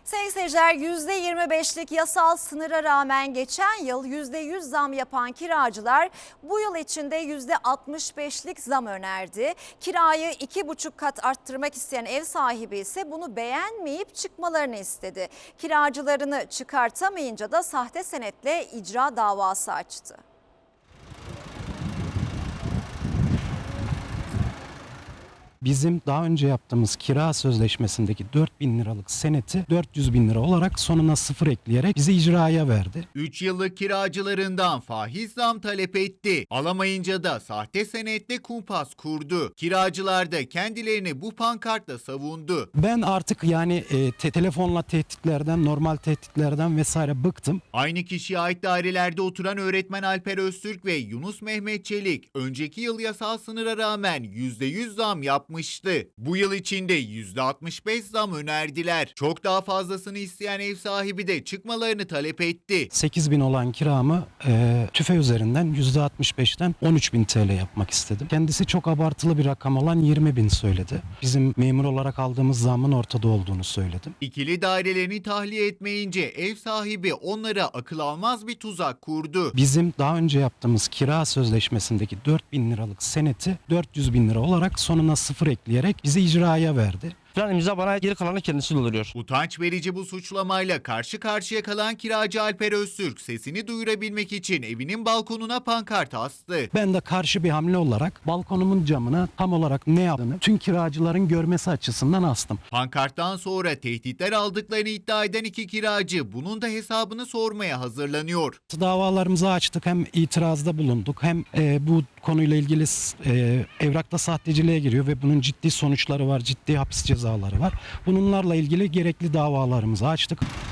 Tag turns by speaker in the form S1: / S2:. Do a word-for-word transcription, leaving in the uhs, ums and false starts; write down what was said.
S1: Sayın seyirciler, yüzde yirmi beşlik yasal sınıra rağmen geçen yıl yüzde yüz zam yapan kiracılar bu yıl içinde yüzde altmış beşlik zam önerdi. Kirayı iki buçuk kat arttırmak isteyen ev sahibi ise bunu beğenmeyip çıkmalarını istedi. Kiracılarını çıkartamayınca da sahte senetle icra davası açtı.
S2: Bizim daha önce yaptığımız kira sözleşmesindeki dört bin liralık seneti dört yüz bin lira olarak sonuna sıfır ekleyerek bizi icraya verdi.
S3: üç yıllık kiracılarından faiz zam talep etti. Alamayınca da sahte senetle kumpas kurdu. Kiracılar da kendilerini bu pankartla savundu.
S2: Ben artık yani e, te- telefonla tehditlerden, normal tehditlerden vesaire bıktım.
S3: Aynı kişiye ait dairelerde oturan öğretmen Alper Öztürk ve Yunus Mehmet Çelik önceki yıl yasal sınıra rağmen yüzde yüz zam yapmıştı. Bu yıl içinde yüzde altmış beş zam önerdiler. Çok daha fazlasını isteyen ev sahibi de çıkmalarını talep etti.
S2: sekiz bin olan kiramı e, tüfe üzerinden yüzde altmış beşten on üç bin T L yapmak istedim. Kendisi çok abartılı bir rakam olan yirmi bin söyledi. Bizim memur olarak aldığımız zamın ortada olduğunu söyledim.
S3: İkili dairelerini tahliye etmeyince ev sahibi onlara akıl almaz bir tuzak kurdu.
S2: Bizim daha önce yaptığımız kira sözleşmesindeki dört bin liralık seneti dört yüz bin lira olarak sonuna sıfır ekleyerek bizi icraya verdi.
S4: Falan imza bana geri kalanı kendisi dolduruyor.
S3: Utanç verici bu suçlamayla karşı karşıya kalan kiracı Alper Öztürk sesini duyurabilmek için evinin balkonuna pankart astı.
S2: Ben de karşı bir hamle olarak balkonumun camına tam olarak ne yaptığını tüm kiracıların görmesi açısından astım.
S3: Pankarttan sonra tehditler aldıklarını iddia eden iki kiracı bunun da hesabını sormaya hazırlanıyor.
S2: Davalarımızı açtık, hem itirazda bulunduk hem e, bu konuyla ilgili e, evrakta sahteciliğe giriyor ve bunun ciddi sonuçları var, ciddi hapis cezaları var. Bunlarla ilgili gerekli davalarımızı açtık.